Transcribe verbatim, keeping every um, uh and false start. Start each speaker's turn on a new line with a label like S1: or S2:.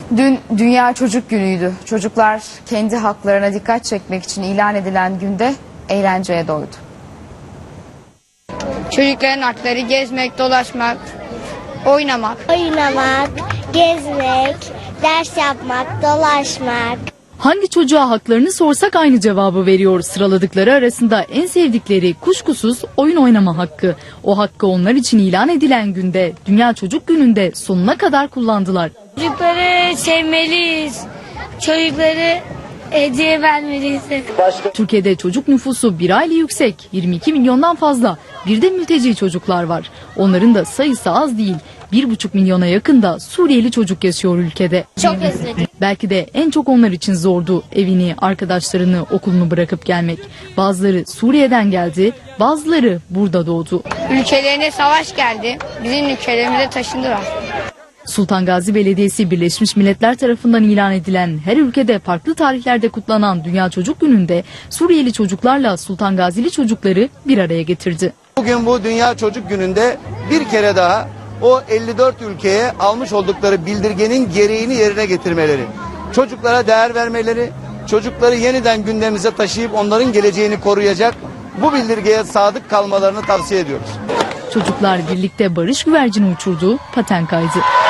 S1: Dün Dünya Çocuk Günü'ydü. Çocuklar kendi haklarına dikkat çekmek için ilan edilen günde eğlenceye doydu.
S2: Çocukların hakları gezmek, dolaşmak, oynamak.
S3: Oynamak, gezmek, ders yapmak, dolaşmak.
S4: Hangi çocuğa haklarını sorsak aynı cevabı veriyor. Sıraladıkları arasında en sevdikleri kuşkusuz oyun oynama hakkı. O hakkı onlar için ilan edilen günde, Dünya Çocuk Günü'nde sonuna kadar kullandılar.
S2: Çocukları sevmeliyiz. Çocukları hediye vermeliyiz.
S4: Türkiye'de çocuk nüfusu bir hayli yüksek, yirmi iki milyondan fazla. Bir de mülteci çocuklar var. Onların da sayısı az değil. Bir buçuk milyona yakında Suriyeli çocuk yaşıyor ülkede.
S3: Çok özledim.
S4: Belki de en çok onlar için zordu evini, arkadaşlarını, okulunu bırakıp gelmek. Bazıları Suriye'den geldi, bazıları burada doğdu.
S2: Ülkelerine savaş geldi. Bizim ülkelerimize taşındılar.
S4: Sultan Gazi Belediyesi Birleşmiş Milletler tarafından ilan edilen her ülkede farklı tarihlerde kutlanan Dünya Çocuk Günü'nde Suriyeli çocuklarla Sultan Gazili çocukları bir araya getirdi.
S5: Bugün bu Dünya Çocuk Günü'nde bir kere daha o elli dört ülkeye almış oldukları bildirgenin gereğini yerine getirmeleri, çocuklara değer vermeleri, çocukları yeniden gündemimize taşıyıp onların geleceğini koruyacak bu bildirgeye sadık kalmalarını tavsiye ediyoruz.
S4: Çocuklar birlikte barış güvercini uçurdu, paten kaydı.